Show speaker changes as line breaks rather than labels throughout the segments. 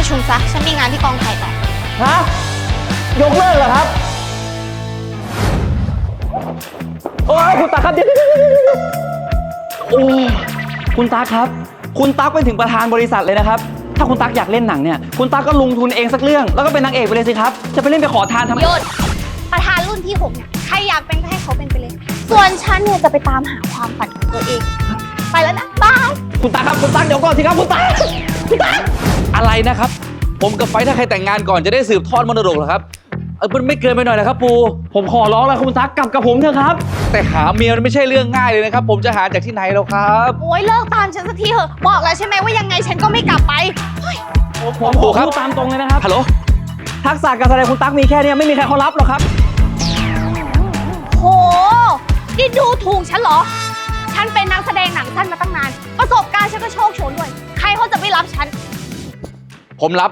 ชุมซะฉันมีงานที่กองถ่ายต่อ
ฮะยกเลิกเหรอครับโอ้ยคุณตาครับเดี๋ยวโอ้คุณตาครับคุณตั๊กเป็นถึงประธานบริษัทเลยนะครับถ้าคุณตั๊กอยากเล่นหนังเนี่ยคุณตั๊กก็ลงทุนเองสักเรื่องแล้วก็เป็นนางเอกไปเลยสิครับจะไปเล่นไปขอทานทำไม
หยุดประธานรุ่นที่6เนี่ยใครอยากเป็นก็ให้เขาเป็นไปเลยส่วนฉันเนี่ยจะไปตามหาความฝันของตัวเองไปแล้วนะบาย
คุณตาครับคุณตั๊กเดี๋ยวก่อนสิครับคุณตั๊ก
อะไรนะครับผมกับไฟถ้าใครแต่งงานก่อนจะได้สืบทอดมรดกเหรอครับมันไม่เกินไปหน่อยนะครับปู
ผมขอร้องแล้วคุณตั๊กกลับกับผมเถอะครับ
แต่หาเมียมันไม่ใช่เรื่องง่ายเลยนะครับผมจะหาจากที่ไหนแล้วครับ
โอ้ยเลิกตามฉันสักทีเถอะบอกแล้วใช่ไหมว่ายังไงฉันก็ไม่กลับไป
ผมพูดตามตรงเลยนะครับ
ฮัลโหล
ทักษะการแสดงคุณตั๊กมีแค่นี้ไม่มีใครเขารับหรอกครับ
โหนี่ดูถูกฉันเหรอฉันเป็นนักแสดงหนังสั้นมาตั้งนานประสบการณ์ฉันก็โชคโชนด้วยใครเขาจะไม่รับฉัน
ผมรับ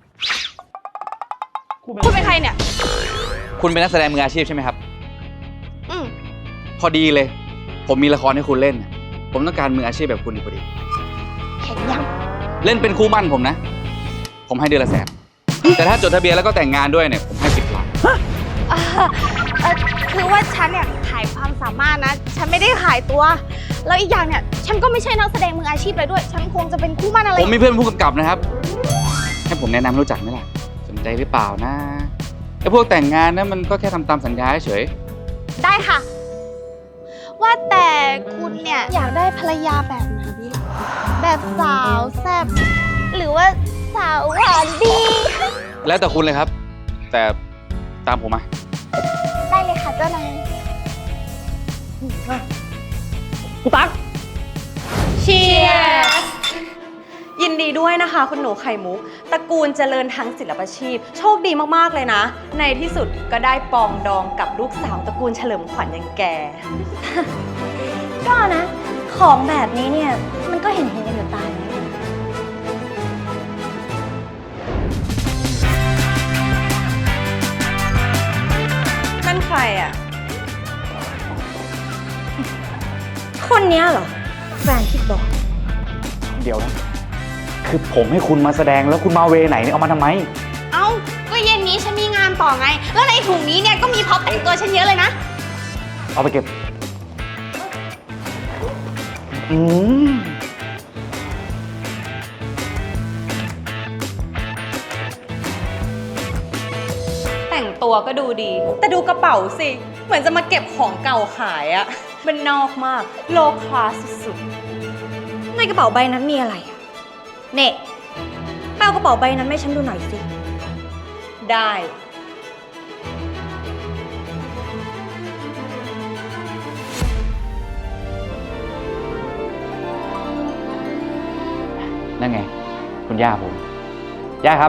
คุณเป็นใครเนี่ย
คุณเป็นนักแสดงมืออาชีพใช่ไหมครับ
อืม
พอดีเลยผมมีละครให้คุณเล่นผมต้องการมืออาชีพแบบคุณพอดี
แข่งยัง
เล่นเป็นคู่มั่นผมนะผมให้เดือนละ100,000แต่ถ้าจดทะเบียนแล้วก็แต่งงานด้วยเนี่ยผมให้10 ล้าน
คือว่าฉันเนี่ยขายความสามารถนะฉันไม่ได้ขายตัวแล้วอีกอย่างเนี่ยฉันก็ไม่ใช่นักแสดงมืออาชีพเลยด้วยฉันคงจะเป็นคู่มั่นอะไร
ผมมีเพื่อนผู้กำกับนะครับให้ผมแนะนำรู้จักไหมล่ะสนใจหรือเปล่านะไอ้พวกแต่งงานนะมันก็แค่ทำตามสัญญาเฉย
ได้ค่ะว่าแต่คุณเนี่ยอยากได้ภรรยาแบบไหนดีแบบสาวแซ่บหรือว่าสาวหวานดี
แล้วแต่คุณเลยครับแต่ตามผมมา
ได้เลยค่ะเจ้านาย
คุณตั๊ก
เชียร์ยินดีด้วยนะคะคุณหนูไข่มุกตระกูลเจริญทั้งศิลปาชีพโชคดีมากๆเลยนะในที่สุดก็ได้ปองดองกับลูกสาวตระกูลเฉลิมขวัญอย่างแก
ก็นะของแบบนี้เนี่ยมันก็เห็นกันอยู่ตาย
นั่นใครอ่ะ
คนเนี้ยเหรอแฟนที่บอก
เดี๋ยวนะคือผมให้คุณมาแสดงแล้วคุณมาเวไหนเนี่ยเอามาทำไม
เอ้าก็เย็นนี้ฉันมีงานต่อไงแล้วในถุงนี้เนี่ยก็มีพร็อพแต่งตัวฉันเยอะเลยนะ
เอาไปเก็บ
แต่งตัวก็ดูดีแต่ดูกระเป๋าสิเหมือนจะมาเก็บของเก่าขายอะมันนอกมากโลคลาสสุด
ในกระเป๋าใบนั้นมีอะไรอะเน่แปลกระเป๋าใบนั้นให้ฉันดูหน่อยสิ
ได้
นั่นไงคุณย่าผมย่าครับ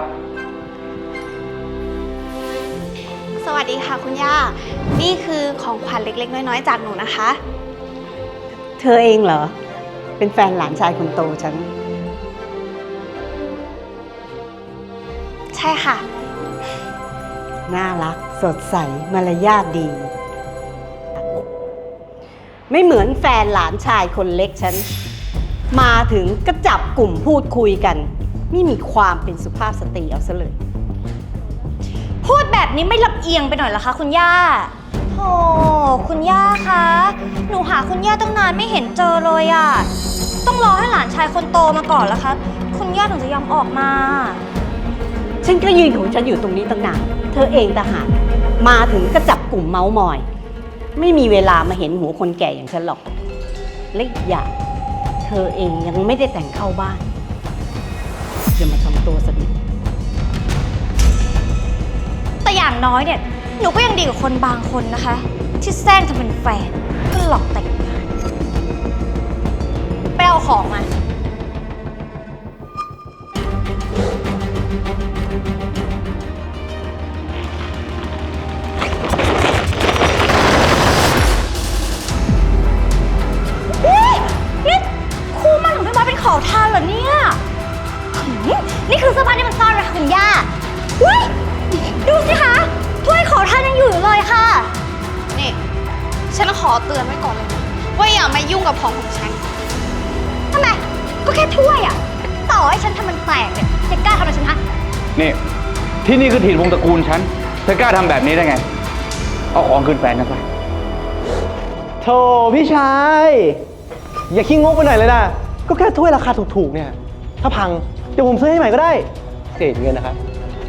สวัสดีค่ะคุณย่านี่คือของขวัญเล็กๆน้อยๆจากหนูนะคะ
เธอเองเหรอเป็นแฟนหลานชายคนโตฉัน
ใช่ค่ะ
น่ารักสดใสมารยาทดีไม่เหมือนแฟนหลานชายคนเล็กฉันมาถึงก็จับกลุ่มพูดคุยกันไม่มีความเป็นสุภาพสตรีเอาซะเลย
พูดแบบนี้ไม่ลำเอียงไปหน่อยเหรอคะคุณย่าโอ้คุณย่าคะหนูหาคุณย่าตั้งนานไม่เห็นเจอเลยอะต้องรอให้หลานชายคนโตมาก่อนแล้วคะคุณย่าถึงจะยอมออกมา
ฉันก็ยืนของฉันอยู่ตรงนี้ตั้งนานเธอเองต่างหากมาถึงก็จับกลุ่มเมาส์มอยไม่มีเวลามาเห็นหัวคนแก่อย่างฉันหรอกและอีกอย่างเธอเองยังไม่ได้แต่งเข้าบ้านอย่ามาทำตัวสนิท
แต่อย่างน้อยเนี่ยหนูก็ยังดีกว่าคนบางคนนะคะที่แซงทำเป็นแฟนก็หลอกแต่งงานไปเอาของมานี่คู่มั่นของพี่บอยเป็นขอทานเหรอเนี่ยนี่คือเสื้อผ้าที่มันซ่อนไว้ค่ะคุณย่าดูสิคะถ้วยขอทานยังอยู่เลยค่ะ
นี่ฉันขอเตือนไว้ก่อนเลยว่าอย่ามายุ่งกับของฉัน
ทำไมก็แค่ถ้วยอะต่อให้ฉันทำมันแตกเนี่ยจะกล้าทำอะไรฉันฮะ
นี่ ที่นี่คือถิ่นวงตระกูลฉัน เธอกล้าทำแบบนี้ได้ไง เอาของคืนแฟนฉันไป
โธ่พี่ชาย อย่าขี้งกไปหน่อยเลยนะ ก็แค่ถ้วยราคาถูกๆเนี่ย ถ้าพัง เดี๋ยวผมซื้อให้ใหม่ก็ได้ เศษเงินนะครับ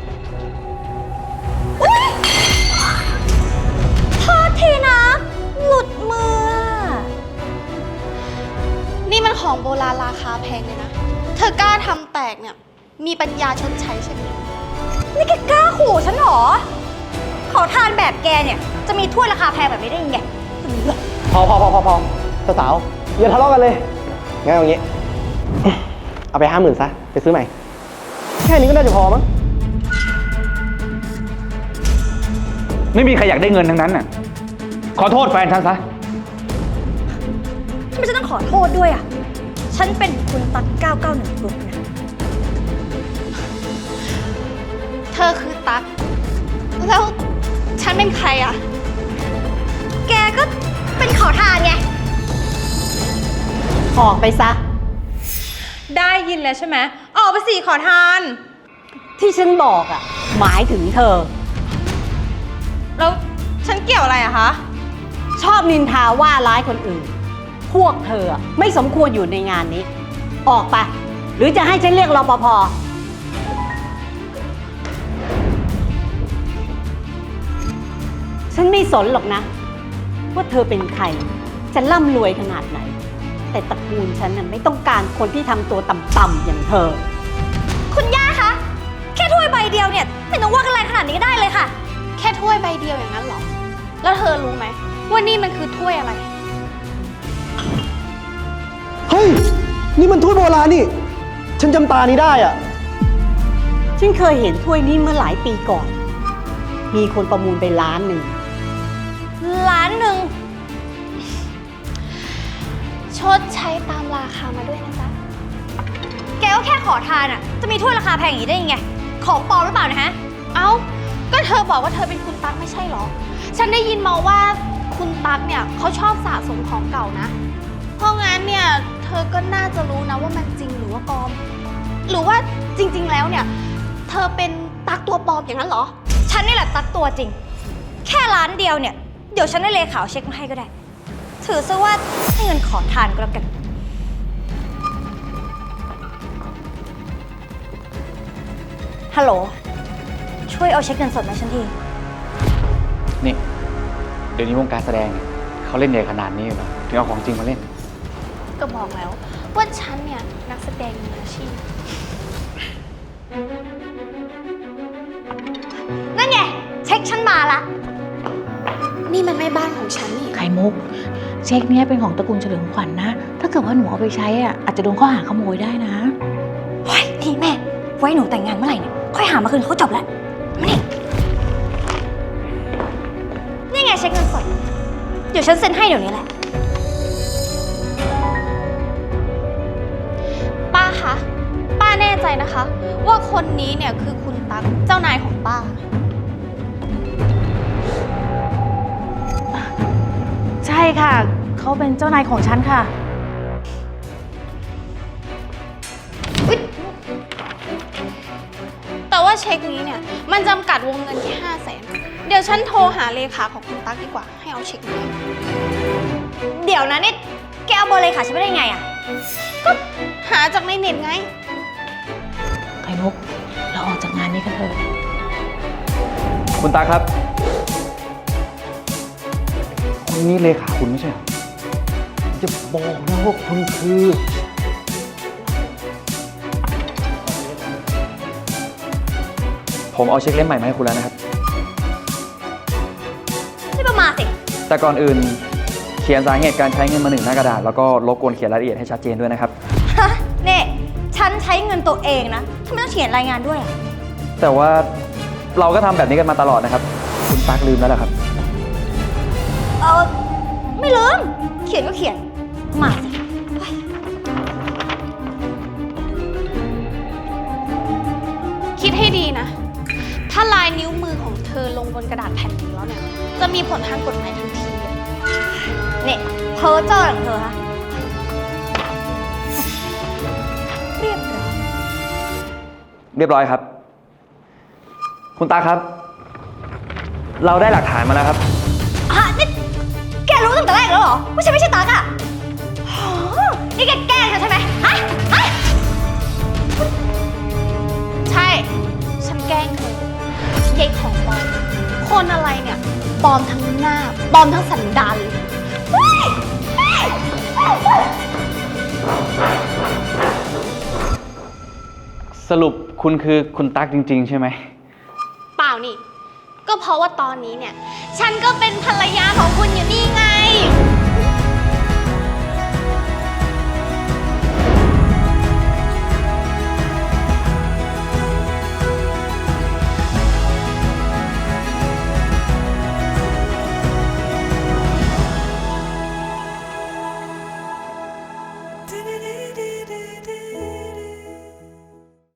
โทษทีนะ หลุดมืออะ
นี่มันของโบราณราคาแพงเลยนะ เธอกล้าทำแตกเนี่ย มีปัญญาชดใช้ใช่ไหม
นี่แกกล้าขู่ฉันเหรอ ขอทานแบบแกเนี่ย จะมีถ้วยราคาแพงแบบนี้ได้ยังไง
พอสาวๆอย่าทะเลาะกันเลย งั้นเอาอย่างงี้ เอาไป50,000ซะ ไปซื้อใหม่ แค่นี้ก็น่าจะพอมั้ง
ไม่มีใครอยากได้เงินทั้งนั้นน่ะ ขอโทษแฟนฉันซะ
ทำไมฉันต้องขอโทษด้วยอ่ะ ฉันเป็นคุณตั๊ก991กรุ๊ปนะ
เธอคือตั๊ก แล้วฉันเป็นใครอะ
แกก็เป็นขอทานไง
ออกไปซะ
ได้ยินแล้วใช่ไหมออกไปสิขอทาน
ที่ฉันบอกอ่ะ หมายถึงเธอ
แล้วฉันเกี่ยวอะไรอะคะ
ชอบนินทาว่าร้ายคนอื่น พวกเธออะไม่สมควรอยู่ในงานนี้ ออกไป หรือจะให้ฉันเรียกรปภ ฉันไม่สนหรอกนะ ว่าเธอเป็นใคร จะร่ำรวยขนาดไหน แต่ตระกูลฉันน่ะไม่ต้องการคนที่ทำตัวต่ำๆอย่างเธอ
คุณย่าคะ แค่ถ้วยใบเดียวเนี่ยไม่ต้องว่ากันแรงขนาดนี้ก็ได้เลยค่ะ
แค่ถ้วยใบเดียวอย่างนั้นเหรอ แล้วเธอรู้ไหมว่านี่มันคือถ้วยอะไร
เฮ้ย นี่มันถ้วยโบราณนี่ ฉันจำตานี้ได้อ่ะ
ฉันเคยเห็นถ้วยนี้เมื่อหลายปีก่อน มีคนประมูลไป1,000,000
ล้านหนึ่ง
ชดใช้ตามราคามาด้วยนะจ๊ะ
แกก็แค่ขอทานอ่ะ จะมีถ้วยราคาแพงอย่างนี้ได้ยังไง ของปลอมหรือเปล่านะฮะ
เอ้า ก็เธอบอกว่าเธอเป็นคุณตั๊กไม่ใช่เหรอ ฉันได้ยินมาว่าคุณตั๊กเนี่ยเขาชอบสะสมของเก่านะ เพราะงั้นเนี่ยเธอก็น่าจะรู้นะว่ามันจริงหรือว่าปลอม หรือว่าจริงๆแล้วเนี่ย เธอเป็นตั๊กตัวปลอมอย่างนั้นเหรอ
ฉันนี่แหละตักตัวจริง แค่ล้านเดียวเนี่ย เดี๋ยวฉันได้เลขาเอาเช็คมาให้ก็ได้ ถือซะว่าให้เงินขอทานก็แล้วกัน ฮัลโหล ช่วยเอาเช็คเงินสดมาฉันที
นี่ เดี๋ยวนี้วงการแสดงเนี่ยเขาเล่นใหญ่ขนาดนี้เหรอถึงเอาของจริงมาเล่น
ก็บอกแล้วว่าฉันเนี่ยนักแสดงมืออาชีพ
นั่นไง เช็คฉันมาละ
นี่มันไม่บ้านของฉันนี่
ไข่มุก เช็คเนี้ยเป็นของตระกูลเฉลิมขวัญนะ ถ้าเกิดว่าหนูเอาไปใช้อ่ะอาจจะโดนข้อหาขโมยได้นะ
เฮ้ยนี่แม่ ไว้หนูแต่งงานเมื่อไหร่เนี่ย ค่อยหามาคืนเขาจบแล้ว มานี่ นี่ไงเช็คเงินสด เดี๋ยวฉันเซ็นให้เดี๋ยวนี้แหละ
ป้าคะ ป้าแน่ใจนะคะ ว่าคนนี้เนี่ยคือคุณตั๊กเจ้านายของป้า
ใช่ค่ะ เขาเป็นเจ้านายของฉันค่ะ
แต่ว่าเช็คนี้เนี่ยมันจำกัดวงเงินที่500,000 เดี๋ยวฉันโทรหาเลขาของคุณตั๊กดีกว่า ให้เอาเช็คนี้
เดี๋ยวนะนี่ แกเอาเบอร์เลขาฉันไม่ได้ไงอะ
ก็หาจากในเน็ตไง
ไข่มุก เราออกจากงานนี้กันเถอะ
คุณตาครับ คนนี้เลขาคุณไม่ใช่เหรอ
จะบอกนะว่าคุณคือ
ผมเอาเช็คเล่มใหม่มาให้คุณแล้วนะครับ
ไม่ประมาทสิ
แต่ก่อนอื่นเขียนสาเหตุการใช้เงินมา1 หน้ากระดาษ แล้วก็รบกวนเขียนรายละเอียดให้ชัดเจนด้วยนะครับ
ฮะเนี่ยฉันใช้เงินตัวเองนะทำไมต้องเขียนรายงานด้วยอะ
แต่ว่าเราก็ทำแบบนี้กันมาตลอดนะครับ คุณตั๊กลืมแล้วเหรอครับ
ไม่ลืม เขียนก็เขียน มาสิเฮ้ย
คิดให้ดีนะ ถ้าลายนิ้วมือของเธอลงบนกระดาษแผ่นนี้แล้วเนี่ย จะมีผลทางกฎหมายทันทีเลย
เนี่ยเพ้อเจ้อของเธอฮะ เรียบร้อย
เรียบร้อยครับคุณตั๊กครับ เราได้หลักฐานมาแล้วครับ
นี่แกรู้ตั้งแต่แรกแล้วเหรอว่าฉันไม่ใช่ตั๊กอะโหนี่แกแกล้งฉันใช่ไหมฮะ
ใช่ ฉันแกล้งเธอเย้ของปลอมคนอะไรเนี่ยปลอมทั้งหน้าปลอมทั้งสันดานเลย
สรุปคุณคือคุณตั๊กจริง ๆ ใช่ไหม
เปล่านี่ ก็เพราะว่าตอนนี้เนี่ย ฉันก็เป็นภรรยาของคุณอยู่นี่ไง